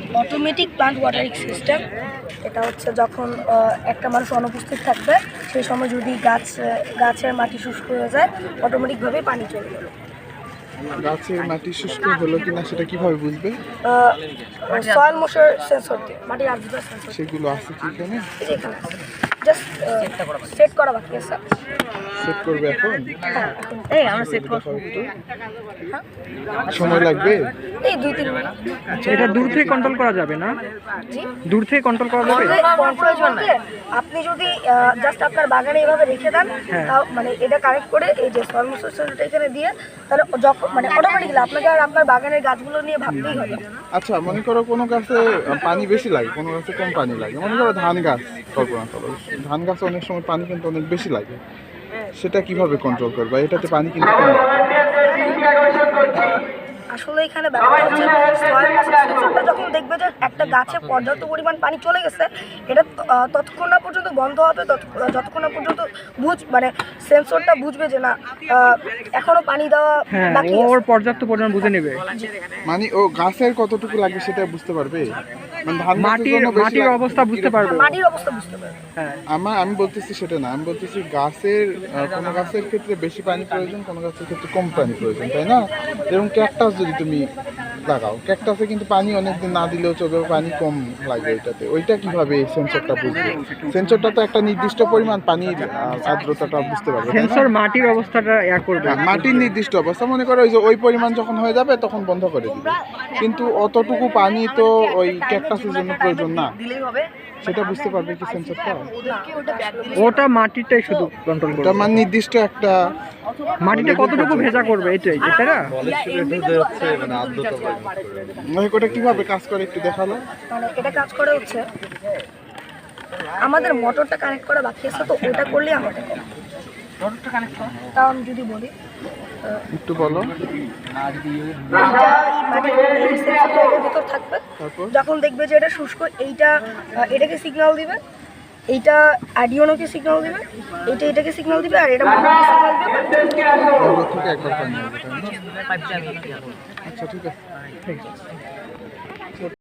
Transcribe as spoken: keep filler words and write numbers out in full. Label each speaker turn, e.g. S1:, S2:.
S1: Automatic plant watering system. এটা হচ্ছে যখন একটা মানুষ অনুপস্থিত থাকবে সেই সময় যদি গাছ গাছের মাটি শুষ্ক হয়ে যায় অটোমেটিকভাবে পানি চলে যাবে।
S2: গাছের মাটি শুষ্ক হলো কিনা সেটা কিভাবে বুঝবে?
S1: সয়েল ময়েশ্চার সেন্সর দিয়ে, মাটির আর্দ্রতা সেন্সর।
S2: সেগুলো আছে কি এখানে?
S1: এখানে জাস্ট সেট করা বাকি আছে।
S2: সেট করবে এখন?
S1: হ্যাঁ, এই আমরা সেট করব।
S2: সময় লাগবে?
S1: এই দুই তিন মিনিট।
S3: আচ্ছা, এটা দূর থেকে কন্ট্রোল করা যাবে না?
S1: জি,
S3: দূর থেকে কন্ট্রোল করা যাবে?
S1: প্রয়োজন নেই। আপনি যদি জাস্ট আপনার বাগানে এইভাবে রেখে দেন, তাও মানে এটা কানেক্ট করে এই যে সয়েল ময়েশ্চার সেন্সরটা এখানে দিয়ে, তাহলে যখন মানে অটোমেটিক্যালি আপনাকে আর আপনার বাগানের গাছগুলো নিয়ে ভাবতেই হবে।
S2: আচ্ছা, মনে করো কোনো গাছে পানি বেশি লাগে, কোনো গাছে কম পানি লাগে। মনে করো ধান গাছ কল্পনা করো, ধান গাছে অনেক সময় পানি কিন্তু অনেক বেশি লাগে, সেটা কিভাবে কন্ট্রোল করবে? এটাতে পানি কিন্তু কম লাগে।
S1: আসলে এখানে ব্যাপারটা হচ্ছে সয়েল ময়েশ্চার সেন্সরটা যখন দেখবে যে একটা গাছে পর্যাপ্ত পরিমাণ পানি চলে গেছে, এটা ততক্ষণ না পর্যন্ত বন্ধ হবে, যতক্ষণ না পর্যন্ত বুঝ মানে সেন্সরটা বুঝবে যে না এখনো পানি দেওয়া বাকি আছে।
S3: ওর পর্যাপ্ত পরিমাণ বুঝে নেবে,
S2: মানে ও গাছের কতটুকু লাগবে সেটা বুঝতে পারবে। মানে ধান
S3: মাটির মাটির অবস্থা বুঝতে পারবে,
S1: মাটির অবস্থা বুঝতে পারবে।
S3: হ্যাঁ,
S2: আমার আমি বলতেছি সেটা না, আমি বলতেছি গাছের কোনো গাছের ক্ষেত্রে বেশি পানি প্রয়োজন, কোনো গাছের ক্ষেত্রে কম পানি প্রয়োজন, তাই না? যেরকম ক্যাকটাস যদি তুমি লাগাও, ক্যাকটাসে কিন্তু পানি অনেকদিন না দিলেও চলবে, পানি কম লাগবে ওইটাতে। ওইটা কিভাবে সেন্সরটা বুঝবে? সেন্সরটা তো একটা নির্দিষ্ট পরিমাণ পানির আর্দ্রতাটা বুঝতে পারবে।
S3: সেন্সর মাটির অবস্থাটা ইয়া করবে,
S2: মাটির নির্দিষ্ট অবস্থা, মনে করো ওই যে ওই পরিমাণ যখন হয়ে যাবে তখন বন্ধ করে দিবে, কিন্তু অতটুকু পানি তো ওই ক্যাকটাসের জন্য প্রয়োজন না, সেটা বুঝতে পারবে কি সেন্সরটা?
S3: ওটা মাটিটাই শুধু কন্ট্রোল করবে,
S2: ওটা মানে নির্দিষ্ট একটা
S3: মাটিটা কতটুকু ভেজা করবে এটাই, তাই না?
S2: মানে ওটা কিভাবে কাজ করে একটু দেখালো।
S1: মানে এটা কাজ করে হচ্ছে আমাদের মোটরটা কানেক্ট করা বাকি আছে, তো ওটা করলে আমাদের মোটরটা কানেক্ট করা, তাও আমি যদি বলি
S2: একটু বলো।
S1: ভিতর থাকবে, যখন দেখবে যে এটা শুষ্ক, এইটা এটাকে সিগন্যাল দিবে, এইটা আডিওনোকে সিগন্যাল দিবে, এইটা এটাকে সিগন্যাল দিবে, আর এটা মোটরকে সিগন্যাল দিবে।
S2: থেকে একবার পানি হবে, তাই না? আচ্ছা, ঠিক আছে।